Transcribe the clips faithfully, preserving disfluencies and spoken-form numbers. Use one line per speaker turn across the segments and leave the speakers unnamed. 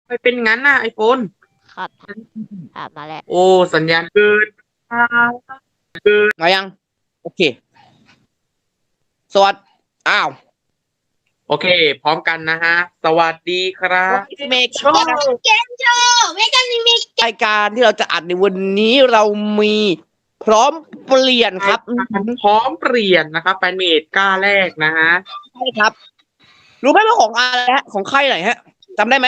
ไปเป็นงั้นน่ะไอโฟน
ครับครับมาแล้ว
โอ้สัญญาณเกิน
มายังโอเคสวัสดีอ้าว
โอเค พร้อมกันนะฮะ สวัสดีครับ
เมก
โชว์
เกมโชว์ไม่กันมี
รายการที่เราจะอัดในวันนี้เรามีพร้อมเปลี่ยนครับ
พร้อมเปลี่ยนนะครับแฟนเมดกล้าแรกนะฮะ
ใช่ครับ รู้ไหมว่าของอะไรฮะของค่ายไหนฮะจำได้ไหม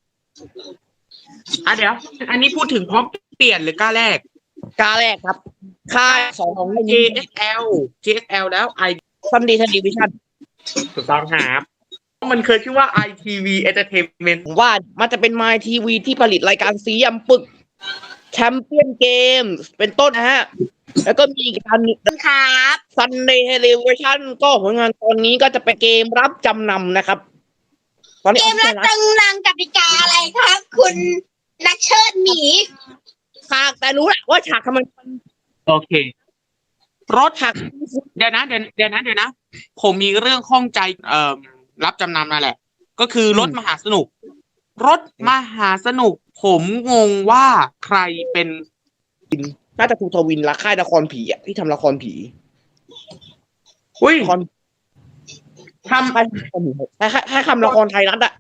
อ่ะเดี๋ยว อันนี้พูดถึงพร้อมเปลี่ยนหรือกล้าแรก
กล้าแรกครับค่ายสองของ
เจ เอส แอล เจ เอส แอล แล้ว I
ซันดีทันดีวิชั่น
ถูกต้องครับมันเคยชื่อว่า ไอ ที วี Entertainment
ผมว่ามันจะเป็น My ที วี ที่ผลิตรายการสียำปึกแชมเปี้ยนเกมเป็นต้นนะฮะ แล้วก็มีการ
ครับ
Sunday Television ก็ผลงานตอนนี้ก็จะเป็นเกมรับจำนำนะครับ ตอนนี้
เกมรับจังนังกติกาอะไรครับ คุณนักเชิดหมี
ฉากแต่รู้แหละว่าฉากทำไมมัน
โอเค รถ
ฉาก
เดี๋ยวนะเดี๋ยวเดี๋ยวนะเดี๋ยวนะ ผมมีเรื่องข้องใจเอ่อรับจำนำนั่นแหละ ก็คือรถมหาสนุก รถมหาสนุก ผมงงว่าใครเป็น
น่าจะครูทวินละค่ายละครผีอะที่ทำละครผี
อุ้ย
ละครทำไปให้ให้คำละครไทยรัฐอะ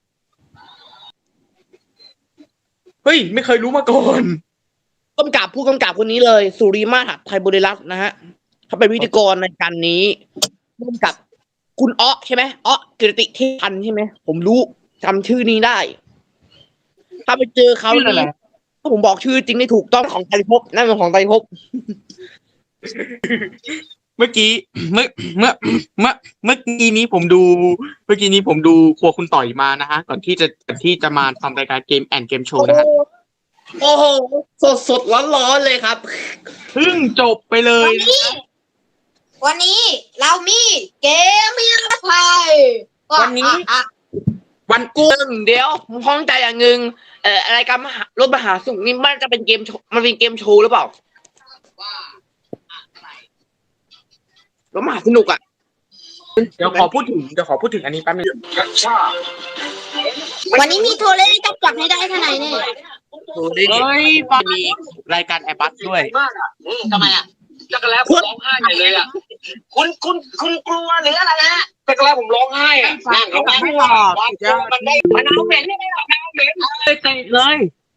เฮ้ย ไม่เคยรู้มาก่อน
กำกับผู้กำกับคนนี้เลย สุริมาศไทยบริรัตน์นะฮะเขาเป็นวิทยกรในการนี้ร่วมกับคุณอ๊อใช่ไหมอ๊อกิรติเทพันธ์ใช่ไหมผมรู้จำชื่อนี้ได้ ถ้าไปเจอเขา
ชื่ออะไร
นี่ถ้าผมบอกชื่อจริงนี่ถูกต้องของไตรภพนั่นเป็นของไตรภพ
เมื่อกี้ เมื่อเมื่อเมื่อเมื่อกี้นี้ผมดู เมื่อกี้นี้ผมดูครัวคุณต่อยมานะฮะ ก่อนที่จะก่อนที่จะมาทำรายการเกมแอนเกมโชว์นะฮะ
โอ้โหสดสดร้อนร้อนๆเลยครับ
เพิ่งจบไปเลย
วันนี้ วันนี้เรามีเกมมีไทย
วันนี้
อ่ะ
วันกู
กูเดี๋ยวผมพ้องใจอย่างหนึ่งเอ่อรายการมหารถมหาสนุกนี่มันจะเป็นเกมโชว์มันเป็นเกมโชว์หรือเปล่ารถมหาสนุกอ่ะ
เดี๋ยวขอพูดถึงเดี๋ยวขอพูดถึงอันนี้แป๊บนึง
วันนี้มีโทรเล่นจับจับให้ได้เท่าไหร่เนี่ย
เฮ้ยปามีรายการแอร์บัสด้วย
ทำไมอ่ะจักรแล้วผมร้องไห้ใหญ่เลยอ่ะคุณคุณคุณกลัวหรืออะไรฮะจักรแล้วผมร้องไห้อ่ะนั่งเขาไม่หลอกมันได้มันเอาเหม็นไม่ได้หรอกเอาเหม็น
เลยเตะเลย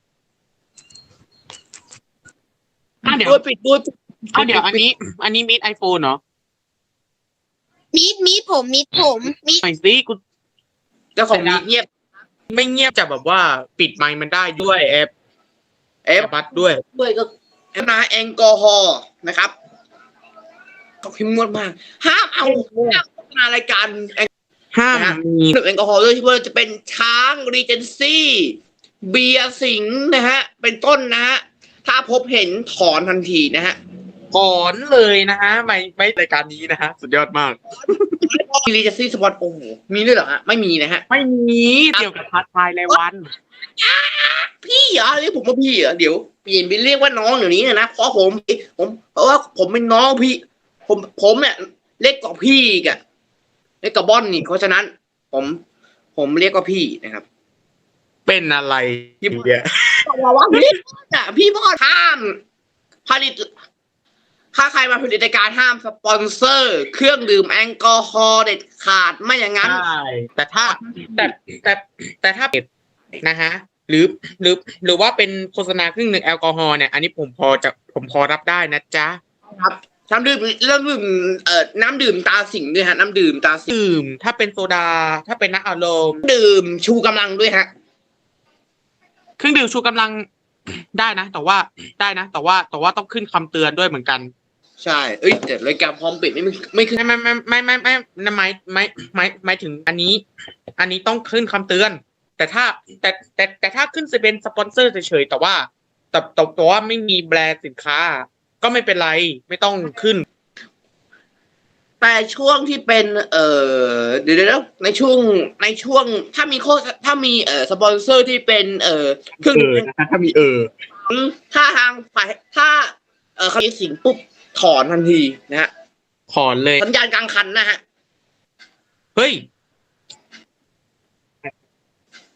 อ่ะเดี๋ยว
ด้วยปิดด้วย
อ่ะเดี๋ยวอันนี้ อันนี้มิดไอโฟนเหรอ
มีดมีดผมมีดผมมีด
หน่อยสิกู
เจ้าของนี้เงียบ
ไม่เงียบจะแบบว่าปิดไมค์มันได้ด้วยแอป
เอ
แอ
ฟ
ร์บัสด้วย
ด้วยก็แอมนาแอลกอฮอล์นะครับเขาพิมพ์งดมากห้ามเอาห้ามโฆษณารายการ
ห้าม
นะฮะ
มี
หนึ่งแอลกอฮอล์ด้วยที่ว่าจะเป็นช้างรีเจนซี่เบียร์สิงห์นะฮะ เป็นต้นนะฮะ ถ้าพบเห็นถอนทันทีนะฮะ
ก่อนเลยนะฮะ ไม่ไม่รายการนี้นะฮะ สุดยอดมาก
รีเจนซี่สปอตโอ้โหมีด้วยเหรอฮะ ไม่มีนะฮะ
ไม่มีเกี่ยวกับพาร์ทไทยรายวัน
พี่เหรอเรียกผมว่าพี่เหรอเดี๋ยวเปลี่ยนไปเรียกว่าน้องเดี๋ยวนี้นะเพราะผมผมเพราะว่าผมเป็นน้องพี่ ผมผมเนี่ยเล็กกว่าพี่อีกอะเล็กกว่าบอนนี่เพราะฉะนั้น ผม ผมเรียกว่าพี่นะครับ
เป็นอะไรเนี่ย
บอกว่าพี่อ่ะพี่บอสห้ามผลิตถ้าใครมาผลิตรายการห้ามสปอนเซอร์ เครื่องดื่มแอลกอฮอล์เด็ดขาดไม่อย่างนั้น
ใช่แต่ถ้าแต่แต่แต่ถ้าเป็นนะฮะ หรือหรือหรือว่าเป็นโฆษณาเครื่องดื่มแอลกอฮอล์เนี่ย อันนี้ผมพอจะผมพอรับได้นะจ๊ะ
ครับน้ำดื่มเรื่องดื่มเอ่อน้ำดื่มตาสิงห์ด้วยฮะน้ำดื่มตาสิงห์
ดื่มถ้าเป็นโซดา ถ้าเป็นน้ำอารมณ์
ดื่มชูกำลังด้วยฮะ
เครื่องดื่มชูกำลัง ได้นะ แต่ว่าได้นะ แต่ว่าแต่ว่าต้องขึ้นคำเตือนด้วยเหมือนกัน
ใช่เอ้ยแต่รายการพร้อมปิดไม่ไม่ขึ้น
ไม่ไม่ไม่ไม่ไม่ไม่ไม่ไม่ไม่ไม่ถึงอันนี้ อันนี้ต้องขึ้นคำเตือน แต่ถ้าแต่แต่แต่ถ้าขึ้นจะเป็นสปอนเซอร์เฉยๆแต่ว่าแต่แต่แต่ว่าไม่มีแบรนด์สินค้า ก็ไม่เป็นไรไม่ต้องขึ้น
แต่ช่วงที่เป็น เอ่อเดี๋ยวเดี๋ยวในช่วงในช่วงถ้ามีโฆษถ้ามีเอ่อสปอนเซอร์ที่เป็นเอ่อเครื่อง
เออนะคะถ้ามีเออ
ถ้าทางฝ่ายถ้าเอ่อเขามีสิงปุ๊บถอนทันทีนะฮะ
ขอนเลย
สัญญาณกลางคันนะฮะ
เฮ้ย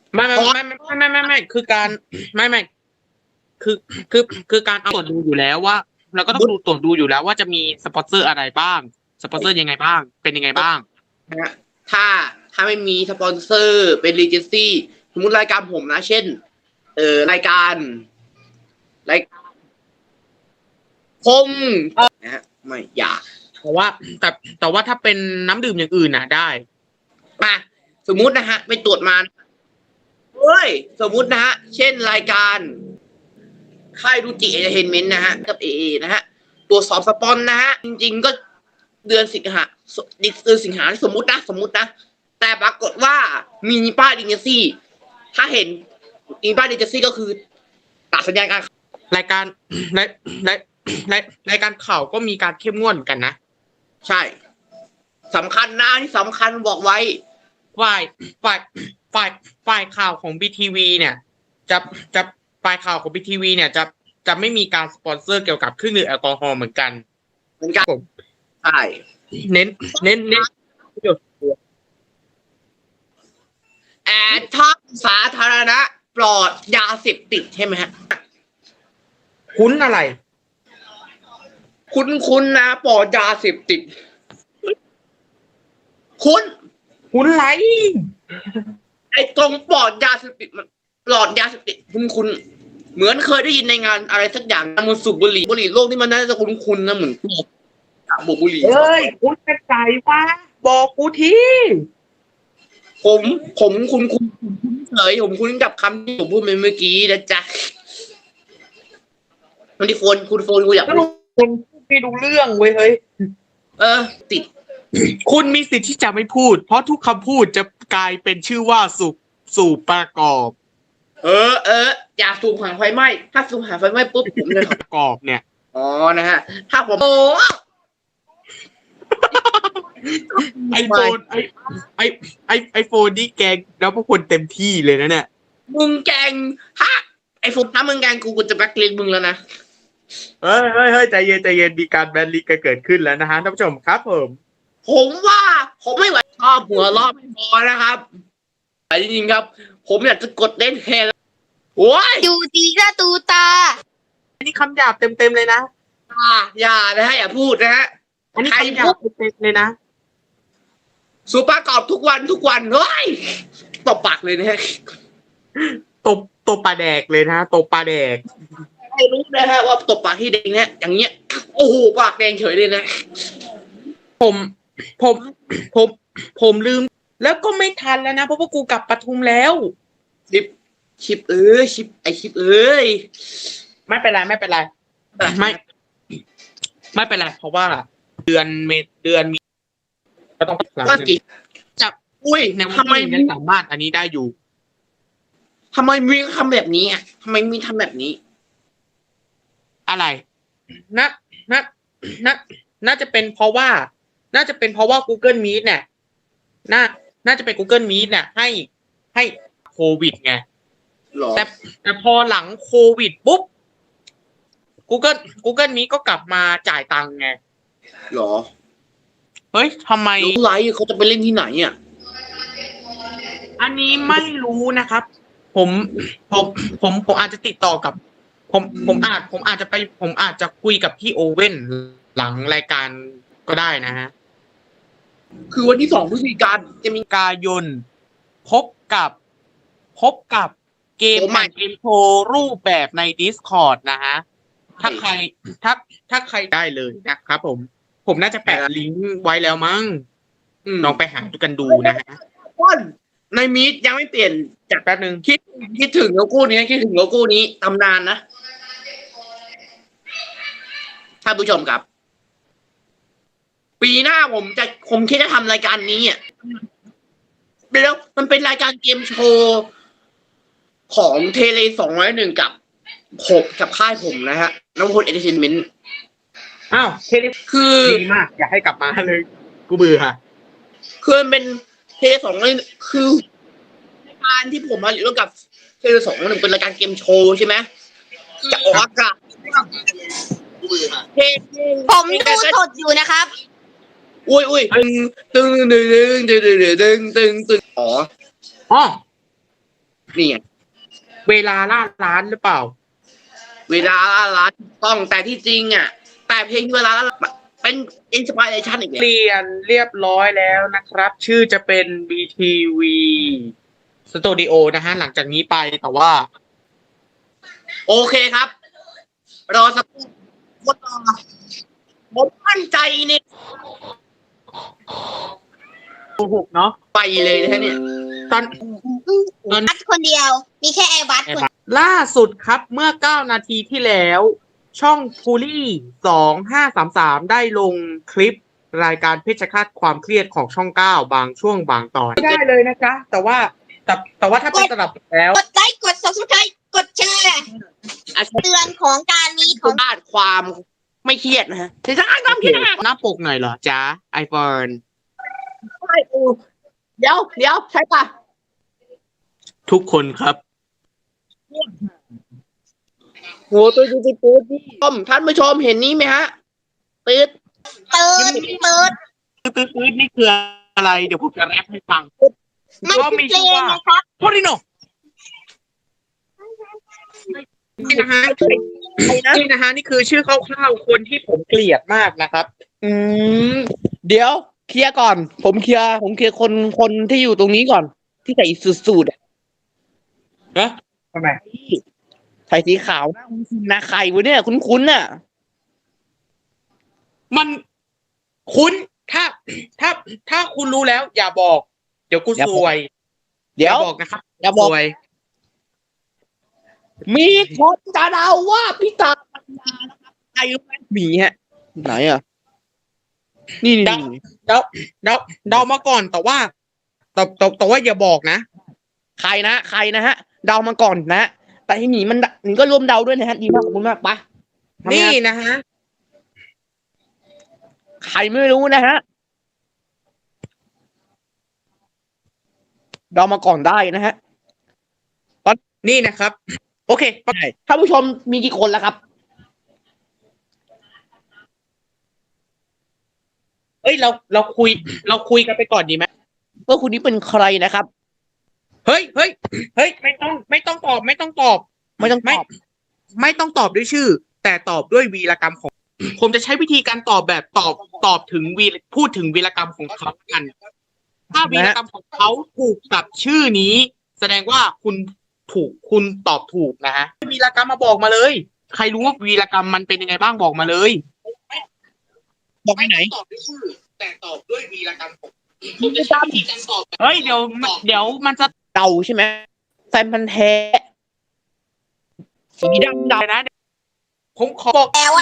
ไม่ไม่ไม่ไม่ไม่ไม่ไม่ไม่คือการไม่ไม่คือคือคือการเอาตรวจดูอยู่แล้วว่าเราก็ต้องดูตรวจดูอยู่แล้วว่าจะมีสปอนเซอร์อะไรบ้างสปอนเซอร์ยังไงบ้างเป็นยังไงบ้าง
นะฮะถ้าถ้าไม่มีสปอนเซอร์เป็นรีเจนซี่สมมติรายการผมนะ เช่น เอ่อรายการรายการคมนะฮะไม่อยาก
แต่ว่าแต่แต่ว่าถ้าเป็นน้ำดื่มอย่างอื่นน่ะได้
มาสมมุตินะฮะไปตรวจมาเฮ้ยสมมุตินะฮะเช่นรายการค่ายดูจิเอเทนเมนต์นะฮะกับเอเอนะฮะตรวจสอบสปอนนะฮะจริงๆก็เดือนสิงหาเดือนสิงหาสมมุตินะสมมุตินะแต่ปรากฏว่ามีป้ายดิเจซี่ถ้าเห็นมีป้ายดิเจซี่ก็คือตัดสัญญาณการ
รายการรายรายรายรายการข่าวก็มีการเข้มงวดเหมือนกันนะ
ใช่สำคัญนะที่สำคัญบอกไว้
ฝ่ายฝ่ายฝ่ายฝ่ายข่าวของ บี ที วี เนี่ย จะจะฝ่ายข่าวของ บี ที วี เนี่ยจะจะไม่มีการสปอนเซอร์เกี่ยวกับเครื่องดื่มแอลกอฮอล์เหมือนกัน
เหมือนกัน
ผม
ใช่
เน้นเน้นเน้น
แอดทางสาธารณะปลอดยาเสพติดใช่ไหมฮะ
คุ้นอะไร
คุ้นคุ้นๆนะปลอดยาเสพติด คุ้น
คุ้นไร
ไอ้ตรงปลอดยาเสพติดมันปลอดยาเสพติดคุ้นคุ้นๆเหมือนเคยได้ยินในงานอะไรสักอย่างมันสูบบุหรี่บุหรี่โลกนี่มันน่าจะคุ้นคุ้นๆนะเหมือนพวกบุบุหรี่
เฮ้ยคุ้นกระจายวะบอกกูที
ผมผมคุ้นคุ้นเฉยผมคุ้นกับคำที่ผมพูดไปเมื่อกี้นะจ๊ะมันที่โฟนคุณโฟนกูอยาก
ก็ลุงคนไม่รู้เรื่องเว้ยเฮ้ย
เออ ติด
คุณมีสิทธิ์ที่จะไม่พูด เพราะทุกคำพูดจะกลายเป็นชื่อว่าสูบสูบประกอบ
เออเอออย่าสูบหาไฟไหม้ถ้าสูบหาไฟไหม้ปุ๊บผมจะ
ประกอบเนี่ย
อ๋อนะฮะ ถ้าผมโอ้
ไอโฟนไอไอไอไอโฟนนี่แกงแล้วพวกคนเต็มที่เลยนะเนี่ย
มึงแกงฮะไอ้ฟุกถ้ามึงแกงกูกูจะแบล็คลิสต์มึงแล้วนะ
เฮ้ยเฮ้ยเฮ้ยใจเย็นใจเย็นมีการแบนลิกเกิดขึ้นแล้วนะฮะท่านผู้ชมครับผม
ผมว่าผมไม่ไหวชอบหัวรอบไม่พอนะครับแต่จริงๆครับ ผมอยากจะกดเล่นแทนโอ้ย
ดูตีหน้าตูตา
อันนี้คำหยาบเต็มเต็มๆเลยนะ
อย่าอย่านะฮะอย่าพูดนะฮะ
อันนี้
ใคร
คำหยา
พู
บ
ด
เต็มๆเลยนะ
สูบประกอบทุกวันทุกวันเฮ้ยตบปากเลยนะฮะ
ตบตบปลาแดกเลยนะตบปลาแดก
ไม่รู้นะฮะว่าตบปากที่แดงเนี่ยอย่างเงี้ยโอ้โหปากแดงเฉยเลยนะ
ผมผมผมผมลืม แล้วก็ไม่ทันแล้วนะเพราะว่ากูกลับปทุมแล้ว
ชิปชิปเอ้ยชิปไอชิปเอ้ย
ไม่เป็นไรไม่เป็นไรไม่ ไม่เป็นไรเพราะว่าเดือนเมษเดือนมีก็ต้องหลัง
ว่ากี่
จับ
อุ้ย
ในวัน
ทำไม
ที่นั้นสามารถอันนี้ได้อยู่
ทำไมมีทำแบบนี้อ่ะทำไมมีทำแบบนี้
อะไรนะนะนะน่าจะเป็นเพราะว่า น่าจะเป็นเพราะว่า Google Meet เนี่ยน่าน่าจะเป็น Google Meet เนี่ยให้ให้โควิดไง
หรอ
แต่แต่พอหลังโควิดปุ๊บ Google Google Meet ก็กลับมาจ่ายตังค์ไง
หรอ
เฮ้ยทำไม
รู้ไรเขาจะไปเล่นที่ไหนอ่ะ
อันนี้ไม่รู้นะครับ ผมผมผมผมอาจจะติดต่อกับ ผมผมอาจผมอาจจะไป ผมอาจจะคุยกับพี่โอเว่นหลังรายการก็ได้นะฮะ
คือวันที่สองพฤศจิกายนจะมี
กายนพบกับพบกับเกม
โอ้ไม่
เกมโชว์รูปแบบใน Discord นะฮะ ถ้าใครถ้าถ้าใครได้เลยนะครับผม ผมน่าจะแปะลิงก์ไว้แล้วมั้ง
อืม
ลองไปหาดูกันดูนะฮะ
ต้นในมีดยังไม่เปลี่ยนจาก
แป๊บนึง
คิดคิดถึงโลโก้นี้คิดถึงโลโก้นี้ตำนานนะท่านผู้ชมครับ ปีหน้าผมจะผมคิดจะทำรายการนี้อ่ะแล้วมันเป็นรายการเกมโชว์ของเทเลสองร้อยหนึ่งกับผมกับค่ายผมนะฮะน้ำพลเอเทนเมนต์
อ้าวเทเล
คือ
ดีมาก อยากให้กลับมาเลย กูเบื่อ
คือมันเป็นเทเลสองร้อยคือรายการที่ผมมาอยู่ร่วมกับเทเลสองร้อยหนึ่งเป็นรายการเกมโชว์ใช่ไหมจะออกอากาศเท
ผมดูสดอยู่นะครับ
อุ้ยอุ้ยตึงตึงตึงตึงตึงตึงตึงตึงอ๋อ
อ๋อ
นี่ไง
เวลาล่าล้านหรือเปล่า
เวลาละล้านต้องแต่ที่จริงอ่ะ แต่เพลงเวลาละล้านเป็นอินสปิเรชันอีก
เปลี่ยนเรียบร้อยแล้วนะครับ ชื่อจะเป็น บี ที วี Studio นะฮะหลังจากนี้ไปแต่ว่า
โอเคครับ รอสักครู่คนรอผมมั่นใจเนี่ย
โกหกเนาะ
ไปเลยนะฮะเนี่ย
ตอน
บัสคนเดียว มีแค่แอร์บัสคน
ล่าสุดครับเมื่อเก้านาทีที่แล้ว ช่องฟูลี่สองห้าสามสามได้ลงคลิปรายการเพชรฆาตความเครียดของช่องเก้าบางช่วงบางตอนไม่ได้เลยนะจ๊ะแต่ว่าแต่แต่ว่าถ้าเป็นตลับแล้ว
กดไลค์กด subscribe กดแชร์เตือนของการมีของ
บ้านความไม่เครียดนะฮะใช่ใช่ความเครียด
หน้าปกหน่อยเหรอจ๊ะไอโฟน
ใช่เออเดี๋ยวเดี๋ยวใช่ปะ
ทุกคนครับ
โหตัวจริงๆปื๊ดพี่ชมท่านผู้ชมเห็นนี้ไหมฮะปื๊ด
เติร์ดเติร์ด
ตื้อๆนี่คืออะไร เดี๋ยวผมจะแรปให้ฟัง
มัน
ก็
คือ
มี
เพล
ชื่องว่า
นะครับ
โพลิโนนี่นะฮะ
ใครนะ
นี่นะฮะนี่คือชื่อคร่าวๆคนที่ผมเกลียดมากนะครับ
อืมเดี๋ยวเคลียร์ก่อน ผมเคลียร์ผมเคลียร์คนคนที่อยู่ตรงนี้ก่อน ที่ใส่สูทๆอะ
ฮะทำไม
ใส่สีขาวหน้าคุ้นๆนะใครวะเนี่ยคุ้นๆน่ะ
มันคุ้นถ้าถ้าถ้าคุณรู้แล้ว อย่าบอก เดี๋ยวกูซวย
เดี๋ยว
อาบอกนะครับ
อย่าบอก
ซวย
มีคนจะเดาว่าพี่ตาปัญญานะครับใครรู้ไหมหมีฮะ ไหนอ่ะ นี่นี่นี่
เดาเดาเดามาก่อนแต่ว่าแต่แต่แต่ว่าอย่าบอกนะ
ใครนะใครนะฮะ เดามาก่อนนะ แต่ที่หมีมันหมีก็รวมเดาด้วยนะฮะดีมากขอบคุณมากปะทำงา
นี่นะฮะ
ใครไม่รู้นะฮะเดามาก่อนได้นะฮะ
นี่นะครับ โอเค
ท่านผู้ชมมีกี่คนแล้วครับ
เอ้ยเราเราคุย เราคุยกันไปก่อนดีไหม
ว่าคุณนี้เป็นใครนะครับ
เฮ้ยเฮ้ยเฮ้ยไม่ต้องไม่ต้องตอบ ไม่ต้องตอบ
ไม่ต้องต
ไม่
อบ
ไม่ต้องตอบด้วยชื่อ แต่ตอบด้วยวีรกรรมของ ผมจะใช้วิธีการตอบแบบตอบตอบถึงวีพูดถึงวีรกรรมของเขากัน ถ้าวีรกรรมของเขาถูกกับชื่อนี้ แสดงว่าคุณถูกคุณตอบถูกนะฮะวีรกรรมมาบอกมาเลย ใครรู้ว่าวีรกรรมมันเป็นยังไงบ้างบอกมาเลย
บอกไปไหน
ตอบด้วยชื่อ แต่ตอบด้วยวีรกรรมของผมจะใช้วิธีการตอบเฮ้ยเดี๋ยวเดี๋ยวมันจะ
เดาใช่ไหมแฟนพันธ์แท้สีดำดำ
นะผมขอบอก
แล้ว